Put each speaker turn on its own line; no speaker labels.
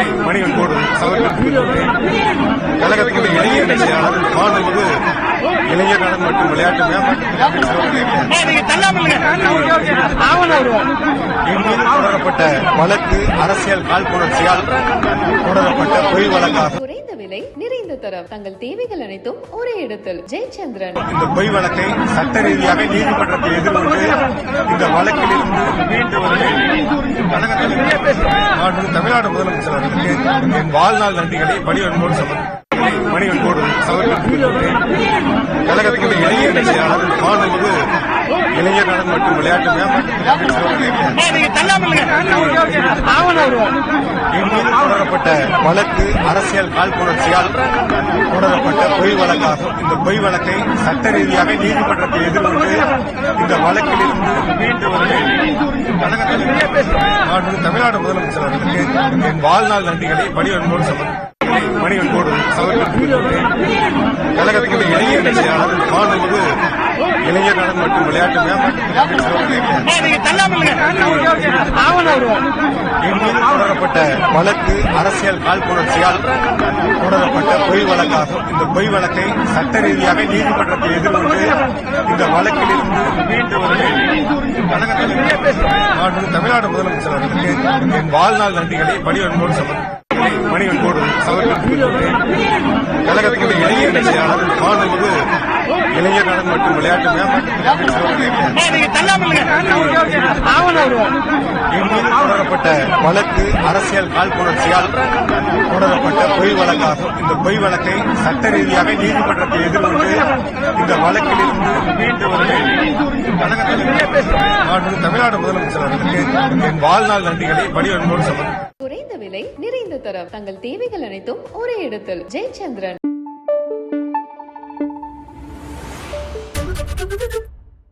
மணிவன்போடு கழகத்தினுடைய இளைஞர் செயலாளர் மாண்புமிகு இளைஞர் நலன் மற்றும் விளையாட்டு தொடரப்பட்ட வழக்கு அரசியல் காழ்ப்புணர்ச்சியால் தொடரப்பட்ட பொய் வழக்காகும்.
குறைந்த விலை நிறைந்த தரம் தங்கள் தேவைகள் அனைத்தும் ஒரே இடத்தில். ஜெயச்சந்திரன்.
இந்த பொய் வழக்கை சட்ட ரீதியாக நீதிமன்றத்தில் எதிர்கொண்டு இந்த வழக்கில் இருந்து மீண்டு தமிழ்நாடு முதலமைச்சர் அவர்களுக்கு என் வாழ்நாள் நன்றிகளை மணிவன்போடு சமர்ப்பிக்கிறேன். கழகத்தினுடைய இளைஞர் செயலாளர் மாண்புமிகு இளைஞர் நலன் மற்றும் விளையாட்டு தொடரப்பட்ட வழக்கு அரசியல் காழ்ப்புணர்ச்சியால் தொடரப்பட்ட பொய் வழக்காகும். இந்த பொய் வழக்கை சட்ட ரீதியாக நீதிமன்றத்தில் எதிர்கொண்டு இந்த வழக்கில் இருந்து மீண்டு தமிழ்நாடு முதலமைச்சர் அவர்களுக்கு என் வாழ்நாள் நன்றிகளை மணிவன்போடு சமர்ப்பிக்கிறேன். கழகத்தினுடைய இளைஞர் செயலாளர் மாண்புமிகு இளைஞர் நலன் மற்றும் விளையாட்டு தொடரப்பட்ட வழக்கு அரசியல் காழ்ப்புணர்ச்சியால் தொடரப்பட்ட பொய் வழக்காகும். இந்த பொய் வழக்கை சட்ட ரீதியாக நீதிமன்றத்தில் எதிர்கொண்டு இந்த வழக்கில் இருந்து மீண்டு தமிழ்நாடு முதலமைச்சர் அவர்களுக்கு என் வாழ்நாள் நன்றிகளை மணிவன்போடு சமர்ப்பிக்கிறேன். கழகத்தினுடைய இளைஞர் செயலாளர் மாண்புமிகு இளைஞர் நலன் மற்றும் விளையாட்டு தொடரப்பட்ட வழக்கு அரசியல் காழ்ப்புணர்ச்சியால் தொடரப்பட்ட பொய் வழக்காகும். இந்த பொய் வழக்கை சட்ட ரீதியாக நீதிமன்றத்தில் எதிர்கொண்டு இந்த வழக்கில் இருந்து மீண்டு தமிழ்நாடு முதலமைச்சர் அவர்களுக்கு என் வாழ்நாள் நன்றிகளை மணிவன்போடு சமர்ப்பிக்கிறேன்.
குறைந்த விலை நிறைந்த தரம் தங்கள் தேவைகள் அனைத்தும் ஒரே இடத்தில். ஜெயச்சந்திரன்.